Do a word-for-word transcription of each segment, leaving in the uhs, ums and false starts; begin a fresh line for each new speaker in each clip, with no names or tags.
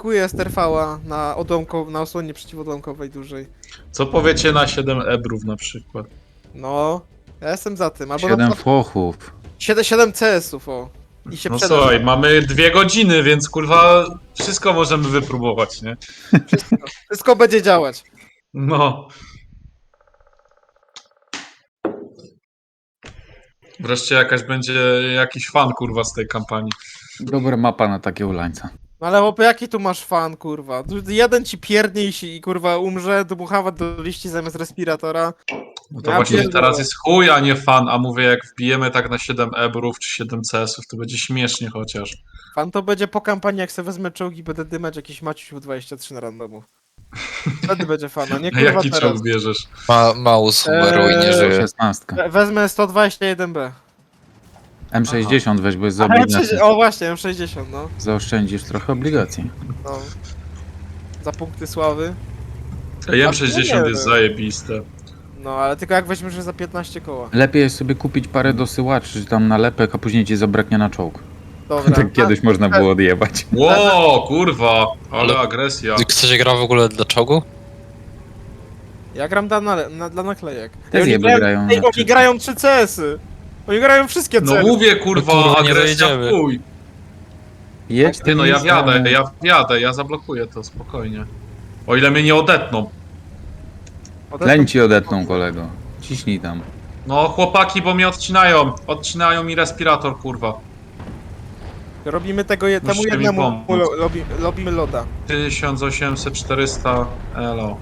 pikuję z T R V-a na, odłamko, na osłonie przeciwodłamkowej dużej.
Co powiecie na siedem ebrów na przykład?
No, ja jestem za tym. Albo
Siedem
na
fochów.
siedem, siedem C S-ów, o. I się
No
przeda.
słuchaj, mamy dwie godziny, więc kurwa wszystko możemy wypróbować, nie?
Wszystko, wszystko będzie działać.
No. Wreszcie jakaś będzie jakiś fan kurwa z tej kampanii.
Dobra mapa na takie ulańca.
No ale chłopie, jaki tu masz fan, kurwa? Tu jeden ci pierdnie i, się- i kurwa umrze, dmuchawa do liści zamiast respiratora.
No to
Ja
właśnie
pierdolę.
teraz jest chuj, a nie fan, a mówię jak wbijemy tak na siedem ebrów czy siedem C S-ów, to będzie śmiesznie chociaż.
Fan to będzie po kampanii, jak sobie wezmę czołgi, będę dymać jakiś Maciuś dwadzieścia trzy na randomu. Wtedy będzie fana, nie
A
kurwa
jaki
teraz.
czołg bierzesz?
Ma, Maus umarł i nie
Eee,
żyje.
szesnastka.
We- Wezmę sto dwadzieścia jeden B.
M sześćdziesiąt weź, bo jest z
Aha, M
obligacji.
sześćdziesiąt, o właśnie, M sześćdziesiąt, no.
Zaoszczędzisz trochę obligacji.
no. Za punkty sławy.
Ej,
A
M sześćdziesiąt
nie
jest
wiem.
zajebiste.
No, ale tylko jak weźmiesz że za piętnaście koła.
Lepiej jest sobie kupić parę dosyłaczy, czy tam nalepek, a później ci zabraknie na czołg.
Dobra.
Tak kiedyś można było odjebać.
Ło, kurwa, ale agresja.
Ktoś gra w ogóle dla czołgu?
Ja gram dla, na, na, dla naklejek.
Te
Ej, oni
zjeby
grają,
grają
ej,
na
oni grają trzy C S-y. Oni grają wszystkie
No
C S-y.
mówię kurwa,
No kurwa, nie
agresja
dojedziemy.
w chuj.
Jedź
Ty
tym
no ja
listem.
wjadę, ja wjadę, ja zablokuję to spokojnie. O ile mnie nie odetną.
Leń ci odetną, kolego. Ciśnij tam.
No chłopaki, bo mnie odcinają. Odcinają mi respirator, kurwa.
Robimy tego je, temu
Musicie mi
jednemu,
pomóc.
lo, lobi, robimy loda.
tysiąc osiemset, czterysta, elo.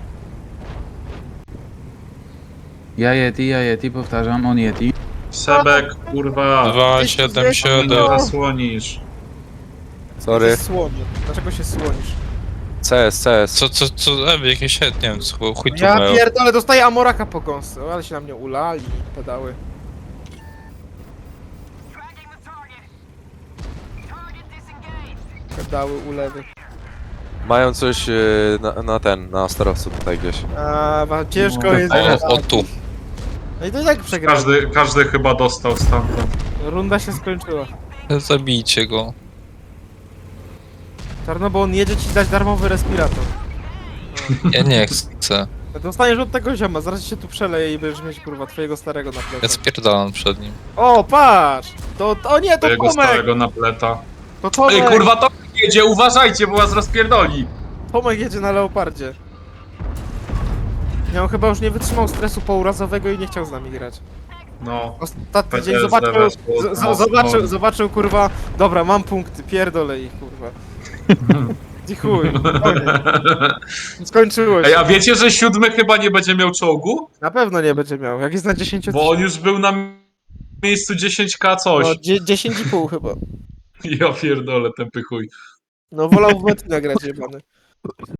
Ja Yeti, ja Yeti, powtarzam, on Yeti.
Sebek, kurwa.
dwa siedem
Nie
siedem.
zasłonisz.
Sorry.
Się słonię. Dlaczego się słonisz?
C S, C S.
Co, co, co, e, jakieś, nie wiem, co, chuj tu
Ja
mają.
pierdolę, dostaję amoraka po gąsce. O, ale się na mnie ulali, pedały. Pedały, ulewy.
Mają coś y, na, na ten, na sterowcu tutaj gdzieś.
A, ma- ciężko
No,
jest.
O, o tu.
No i to i tak przegrałem.
Każdy, każdy chyba dostał stamtąd.
Runda się skończyła.
Zabijcie go.
Czarno, bo on jedzie ci dać darmowy respirator.
Ja nie chcę.
Dostaniesz od tego zioma, zaraz się tu przeleje i będziesz mieć kurwa twojego starego na
Ja
plecach.
spierdalam przed nim.
O, patrz! To, to o nie, to
Twojego
Tomek!
starego napleta.
To Tomek!
Ej kurwa, to jedzie, uważajcie, bo was rozpierdoli.
Tomek jedzie na leopardzie. Ja on chyba już nie wytrzymał stresu pourazowego i nie chciał z nami grać.
No.
Ostatni
P T
dzień
S D
zobaczył,
weszło,
z, z,
no,
zobaczył,
no.
zobaczył kurwa, dobra, mam punkty, pierdolę ich kurwa. I chuj, koniec. Skończyło
Ej,
się.
a wiecie, że siódmy chyba nie będzie miał czołgu?
Na pewno nie będzie miał, jak jest na dziesięć
Bo on już był na miejscu dziesięć ka coś.
no, dzie- dziesięć i pół chyba.
Ja pierdolę, tępy chuj.
No wolał w Metina grać jebany.